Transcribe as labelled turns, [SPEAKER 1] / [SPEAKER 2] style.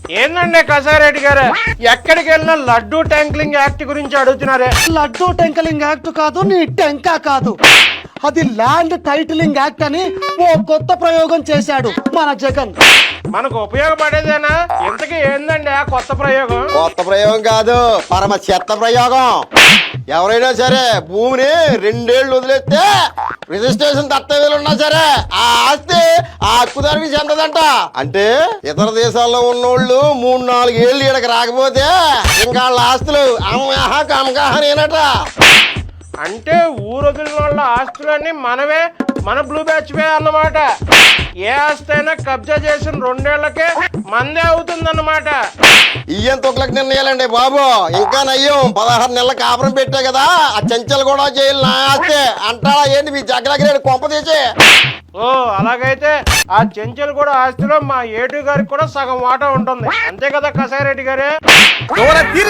[SPEAKER 1] ఏందండి కసారెడ్డి గారు, ఎక్కడికి వెళ్ళినా లడ్డూ ట్యాంక్లింగ్ యాక్ట్ గురించి అడుగుతున్నారే.
[SPEAKER 2] లడ్డూ టెంకలింగ్ యాక్ట్ కాదు, నీ టెంకా కాదు, అది ల్యాండ్ టైటిలింగ్ యాక్ట్ అని ఓ కొత్త ప్రయోగం చేశాడు మన జగన్.
[SPEAKER 1] మనకు ఉపయోగపడేదేనా? ఇంతకీ ఏందండి ఆ కొత్త ప్రయోగం?
[SPEAKER 3] కొత్త ప్రయోగం కాదు, పరమ చెత్త ప్రయోగం. ఎవరైనా సరే భూమిని 2 ఏళ్ళు వదిలేస్తే రిజిస్ట్రేషన్ దత్తవేలు ఉన్నా సరే ఆ ఆస్తి ఆ హక్కుదారికి చెందదంట. అంటే ఇతర దేశాల్లో ఉన్నోళ్ళు 3-4 ఏళ్ళు ఈడకి రాకపోతే ఇంకా వాళ్ళ ఆస్తులు అమ్మహ కమకహనేనట.
[SPEAKER 1] అంటే ఊరొదిలిన వాళ్ళ ఆస్తులన్నీ మనవే, మన బ్లూ బ్యాచ్ వే అన్నమాట. ఏ ఆస్తి అయినా కబ్జా చేసిన 2 ఏళ్లకే మందే అవుతుందన్నమాట.
[SPEAKER 3] ఇయ్యం తొక్లకు నిర్ణయాలండి బాబు. ఇంకా నయ్యం 16 నెలల కాపురం పెట్టే కదా, ఆ చెంచలు కూడా జైలు నా ఆస్తే అంటారా ఏంటి మీ జగ్గలగిరి కొంప తీసి?
[SPEAKER 1] ఓ అలాగైతే ఆ చెంచలు కూడా ఆస్తిలో మా ఏటు గారికి కూడా సగం వాటా ఉంటుంది, అంతే కదా కసారెడ్డి గారే?